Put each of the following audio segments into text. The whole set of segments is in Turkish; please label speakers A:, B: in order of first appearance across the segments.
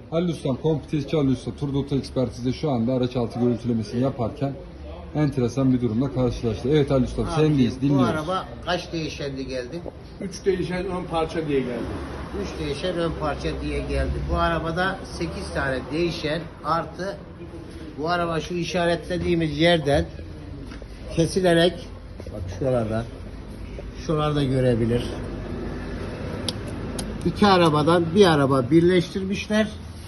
A: Halil Ustam, kompitesçi Halil Usta, Turdoto Ekspertiz'de şu anda araç altı görüntülemesini yaparken enteresan bir durumla karşılaştı. Evet Halil Ustam, sendeyiz,
B: Bu
A: dinliyoruz.
B: araba kaç değişendi geldi?
C: 3 değişen ön parça diye geldi.
B: 3 değişen ön parça diye geldi. Bu arabada 8 tane değişen artı bu araba şu işaretlediğimiz yerden kesilerek bak şuralarda görebilir. İki arabadan bir araba birleştirmişler.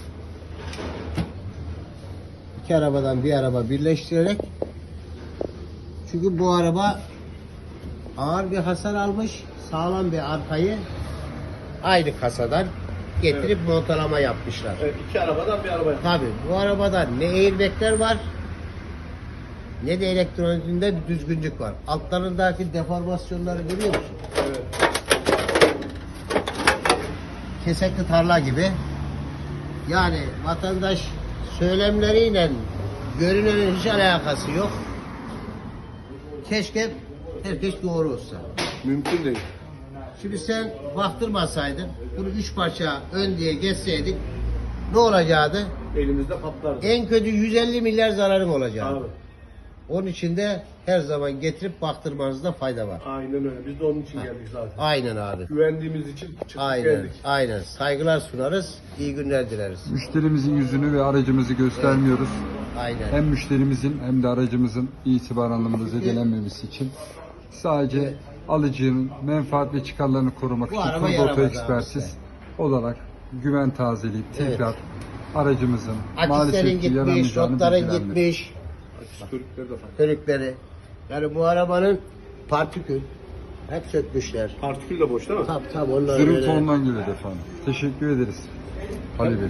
B: İki arabadan bir araba birleştirerek, çünkü bu araba ağır bir hasar almış, sağlam bir arkayı aynı kasadan getirip montalama yapmışlar.
C: Evet, 2 arabadan bir araba yaptı.
B: Tabii bu arabada ne airbagler var ne de elektronikinde bir düzgünlük var. Altlarındaki deformasyonları görüyor musun?
C: Evet.
B: Kesekli tarla gibi. Yani vatandaş söylemleriyle görünenin hiç alakası yok. Keşke herkes doğru olsa.
C: Mümkün değil.
B: Şimdi sen baktırmasaydın, bunu 3 parça ön diye geçseydin ne olacaktı?
C: Elimizde patlardı.
B: En kötü 150 milyar zararın olacaktı.
C: Abi.
B: Onun için de her zaman getirip baktırmanızda fayda var.
C: Aynen öyle. Biz de onun için geldik zaten.
B: Aynen abi.
C: Güvendiğimiz için çıktık
B: Aynen.
C: geldik.
B: Aynen. Saygılar sunarız. İyi günler dileriz.
A: Müşterimizin yüzünü ve aracımızı göstermiyoruz.
B: Aynen.
A: Hem müşterimizin hem de aracımızın itibar anlamında zedelenmemesi için sadece alıcının menfaat ve çıkarlarını korumak
B: Bu
A: için
B: araba
A: Turdoto
B: yaramaz abi
A: Ekspertiz
B: size.
A: olarak güven tazeleyip tekrar aracımızın
B: Akislerin
A: maalesef ki
B: gitmiş,
A: yaramayacağını
B: rotların
A: bilgilendirdik.
B: gitmiş,
C: Körükleri de fark.
B: körükleri. Yani bu arabanın partikül hep sökmüşler.
C: Partikül de boş değil mi?
B: Tabii onları
A: Zırhlı
B: böyle-
A: tondan geliyor efendim. Teşekkür ederiz. Halil Bey.